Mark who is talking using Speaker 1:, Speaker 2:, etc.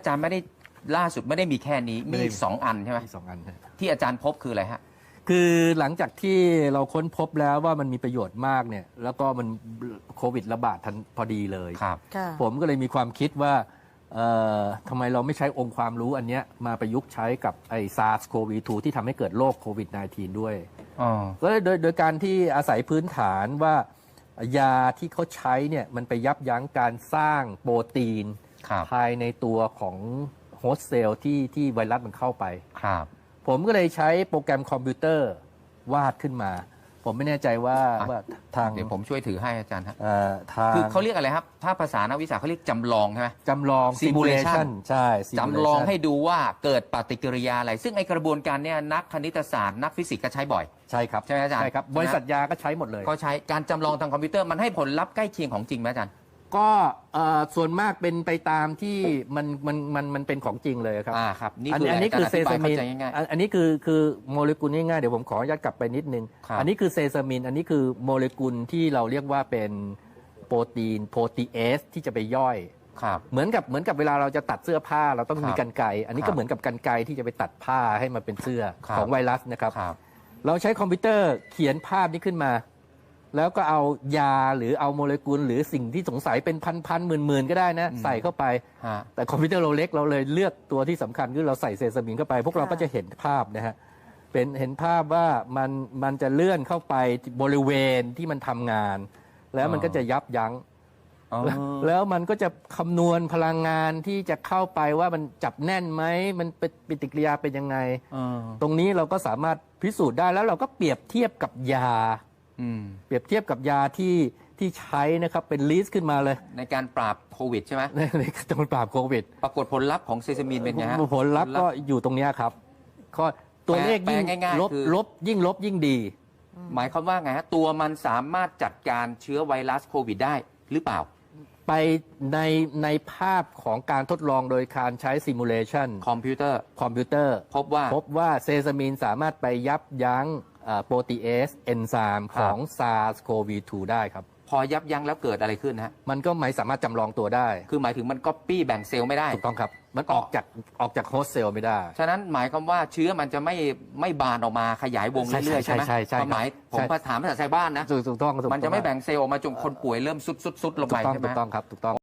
Speaker 1: อาจารย์ไม่ได้ล่าสุดไม่ได้มีแค่นี้มีอีก2 อันใช่ไหม
Speaker 2: มี2 อัน
Speaker 1: ที่อาจารย์พบคืออะไรฮะ
Speaker 2: คือหลังจากที่เราค้นพบแล้วว่ามันมีประโยชน์มากเนี่ยแล้วก็มันโควิดระบาดทันพอดีเลย
Speaker 1: ครับ
Speaker 2: ผมก็เลยมีความคิดว่าทำไมเราไม่ใช้องค์ความรู้อันเนี้ยมาประยุกต์ใช้กับไอ้ SARS-CoV-2 ที่ทำให้เกิดโรคโควิด -19 ด้วยก็โดยการที่อาศัยพื้นฐานว่ายาที่เขาใช้เนี่ยมันไปยับยั้งการสร้างโปรตีนภายในตัวของโฮสต์เซลล์ที่ไวรัสมันเข้าไป
Speaker 1: ครับ
Speaker 2: ผมก็เลยใช้โปรแกรมคอมพิวเตอร์วาดขึ้นมาผมไม่แน่ใจว่าทาง
Speaker 1: เดี๋ยวผมช่วยถือให้อาจารย์ครับ
Speaker 2: ทาง
Speaker 1: คือเขาเรียกอะไรครับถ้าภาษานักวิชาเขาเรียกจำลองใช่ไหม
Speaker 2: จำลอง
Speaker 1: simulation
Speaker 2: ใช่
Speaker 1: จำลองให้ดูว่าเกิดปฏิกิริยาอะไรซึ่งไอกระบวนการเนี้ยนักคณิตศาสตร์นักฟิสิกส์ก็ใช้บ่อย
Speaker 2: ใช่ครับ
Speaker 1: ใช่ไหมอาจารย์
Speaker 2: ใช่ครับบริษัทยาก็ใช้หมดเลย
Speaker 1: ก็ใช้การจำลองทางคอมพิวเตอร์มันให้ผลลัพธ์ใกล้เคียงของจริงไหมอาจารย์
Speaker 2: ก็ส่วนมากเป็นไปตามที่มันเป็นของจริงเลยครับ
Speaker 1: ครับ
Speaker 2: อันนี้คือเซซามินอันนี้คือโมเลกุลง่ายๆเดี๋ยวผมขออนุญาตกลับไปนิดนึงอันนี้คือเซซามินอันนี้คือโมเลกุลที่เราเรียกว่าเป็นโปรตีเอสที่จะไปย่อยเหมือนกับเวลาเราจะตัดเสื้อผ้าเราต้องมีกรรไกรอันนี้ก็เหมือนกับกรรไกรที่จะไปตัดผ้าให้มันเป็นเสื้อของไวรัสนะครับเราใช้คอมพิวเตอร์เขียนภาพนี้ขึ้นมาแล้วก็เอายาหรือเอาโมเลกุลหรือสิ่งที่สงสัยเป็นพันหมื่นก็ได้นะใส่เข้าไปแต่คอมพิวเตอร์เราเล็กเราเลยเลือกตัวที่สำคัญคือเราใส่เซซามินเข้าไปพวกเราก็จะเห็นภาพนะฮะเห็นภาพว่ามันจะเลื่อนเข้าไปบริเวณที่มันทำงานแล้วมันก็จะยับยั้งแล้วมันก็จะคำนวณพลังงานที่จะเข้าไปว่ามันจับแน่นไหมมันเป็นปฏิกิริยาเป็นยังไงตรงนี้เราก็สามารถพิสูจน์ได้แล้วเราก็เปรียบเทียบกับยาเปรียบเทียบกับยาที่ใช้นะครับเป็นลิสต์ขึ้นมาเลย
Speaker 1: ในการปราบโควิดใช่ไหม
Speaker 2: ในการปราบโควิด
Speaker 1: ปรากฏผลลัพธ์ของเซซามินเป็นไงฮะ
Speaker 2: ผลลัพธ์ก็อยู่ตรงนี้ครับก็ตัวเลขยิ่งลบยิ่งดี
Speaker 1: หมายความว่าไงฮะตัวมันสามารถจัดการเชื้อไวรัสโควิดได้หรือเปล่า
Speaker 2: ไปในภาพของการทดลองโดยการใช้ซิมูเลชัน
Speaker 1: คอมพิวเตอร์พบ
Speaker 2: ว่าเซซามินสามารถไปยับยั้งโปรตีเอสเอนไซม์ของ SARS-CoV-2 ได้ครับ
Speaker 1: พอยับยั้งแล้วเกิดอะไรขึ้นฮะ
Speaker 2: มันก็ไม่สามารถจำลองตัวได้
Speaker 1: คือหมายถึงมันก๊อปปี้แบ่งเซลล์ไม่ได้
Speaker 2: ถูกต้องครับมันออกจากโฮสต์เซลล์ไม่ได้
Speaker 1: ฉะนั้นหมายความว่าเชื้อมันจะไม่บานออกมาขยายวงเรื่อยๆใช่ไหมความหมายผมถามภาษาชาวบ้านนะ
Speaker 2: ถูกต้อง
Speaker 1: มันจะไม่แบ่งเซลล์ออกมาจนคนป่วยเริ่มสุดลงไปใช่ไหม
Speaker 2: ถูกต้องครับถูกต้อง